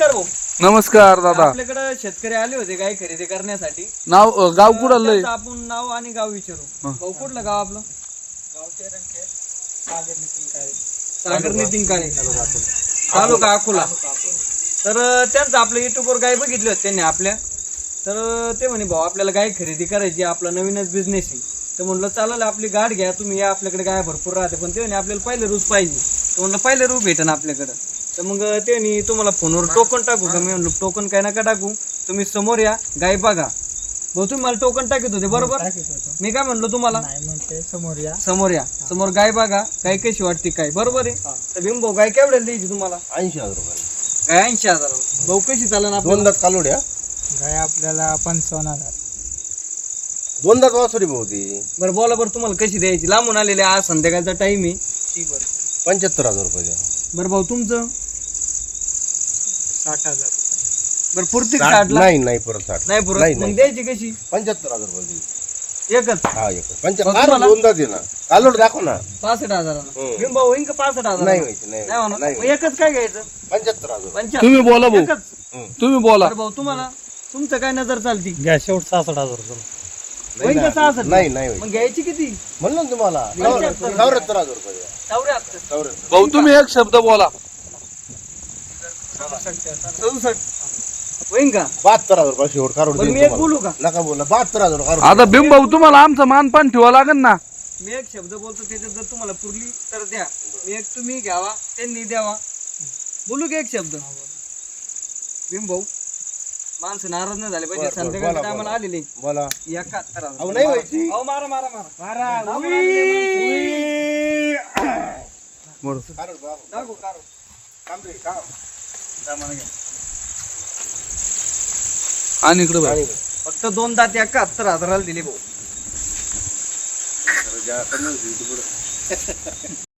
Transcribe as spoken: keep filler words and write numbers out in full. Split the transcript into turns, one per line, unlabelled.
नमस्कार भाऊ.
नमस्कार दादा.
आपल्याकडे शेतकरी आले होते गाय खरेदी करण्यासाठी.
नाव अ, गाव कुठं आलंय?
त्यांचं आपण नाव आणि गाव विचारू. भाऊ कुठलं गाव आपलं? सागर नितीन काळे, तालुका अकोला. तर अं, त्यांचं आपलं युट्यूबवर गाय बघितली होती त्यांनी आपल्या. तर अं, ते म्हणे भाऊ आपल्याला गाय खरेदी करायची, आपला नवीनच बिझनेस आहे. तर म्हणलं चालेल आपली गाठ घ्या तुम्ही, या आपल्याकडे गाय भरपूर राहते. पण ते म्हणे आपल्याला पहिले रूप पाहिजे. तर म्हणलं पहिले रूप भेटेन आपल्याकडं. तर मग ते म्हणे तुम्हाला फोनवर टोकन टाकू का? मी म्हणलो टोकन काय नका टाकू, तुम्ही समोर या गाय बघा. भाऊ तुम्ही मला टोकन टाकत होते बरोबर? मी काय म्हणलो तुम्हाला
समोर या
समोर या, समोर गाय बघा, गाय कशी वाटते काय, बरोबर आहे. तर भीम भाऊ गाय केवढ्याला द्यायची तुम्हाला?
ऐंशी हजार रुपये
गाय ऐंशी हजार. भाऊ कशी चालेल आपल्याला?
दोन दात कालोड्या,
गाय आपल्याला पंचावन्न हजार.
दोन दात वासुरी भाऊती.
बरं बोला बरं तुम्हाला कशी द्यायची? लांबून आलेले आज संध्याकाळचा टाइम आहे.
पंच्याहत्तर हजार रुपये द्या.
बरं भाऊ तुमचं?
साठ हजार रुपये.
बरं पुरती
साठ-
साठला
नाही नाही परत साठ
नाही पुरत.
नाही,
मग
नाही.
द्यायची कशी?
पंच्याहत्तर हजार रुपये द्या.
एकच
हा एक
मग
पंच्याहत्तर
तुम्हाला?
दोन दात दे ना, कालोड दाखव ना.
पासष्ट हजार.
हम्म.
भीम भाऊ होईन का पासष्ट हजार?
नाही व्हायची, नाही
नाही म्हणा.
नाही
मग एकच काय घ्यायचं?
पंच्याहत्तर हजार रुपये.
पंचाहत्तर.
तुम्ही बोला भाऊ,
एकच.
तुम्ही बोला.
बरं भाऊ तुम्हाला तुमचं काय नजर चालती?
घ्या शेवट सहासष्ट हजार रुपये.
होईन का
नाही
सहासष्ट?
नाही नाही व्हायची.
मग घ्यायची किती?
म्हणलं ना तुम्हाला
पंच्याहत्तर.
चौऱ्याहत्तर हजार रुपये द्या.
चौऱ्याहत्तर.
चौऱ्याहत्तर.
भाऊ तुम्ही एक शब्द बोला.
सदुसष्ट होईन का?
बहात्तर हजार रुपये शेवट कारोड
बरं
देईन
मी एक
तुम्हाला.
बोलू का?
नका बोला, बहात्तर हजार कारोड
आता भीम भाऊ तुम्हाला आमचं मानपान ठेवा लागेल ना.
मी एक शब्द बोलतो, त्याच्यात जर तुम्हाला पुरली तर द्या. मी एक तुम्ही घ्यावा, त्यांनी द्यावा. बोलू की एक शब्द? भीम भाऊ माणसं नाराज नाही झाले पाहिजे.
बरं, बरं,
संध्याकाळच्या
बोला,
टायमाला
बोला.
आलेले
बोला.
एकाहत्तर हजार.
अहो, नाही व्हायची.
अहो, मारा मारा मारा
मारा.
लांबून आलेले
बरं.
कारोड बाबा.
माणसं. दाखव, काढू.
काम रे, काम.
आणि इकडे बघ.
आणि
फक्त दोन दात एकाहत्तर हजाराला दिले भाऊ.
जरा कमी होती पुढं.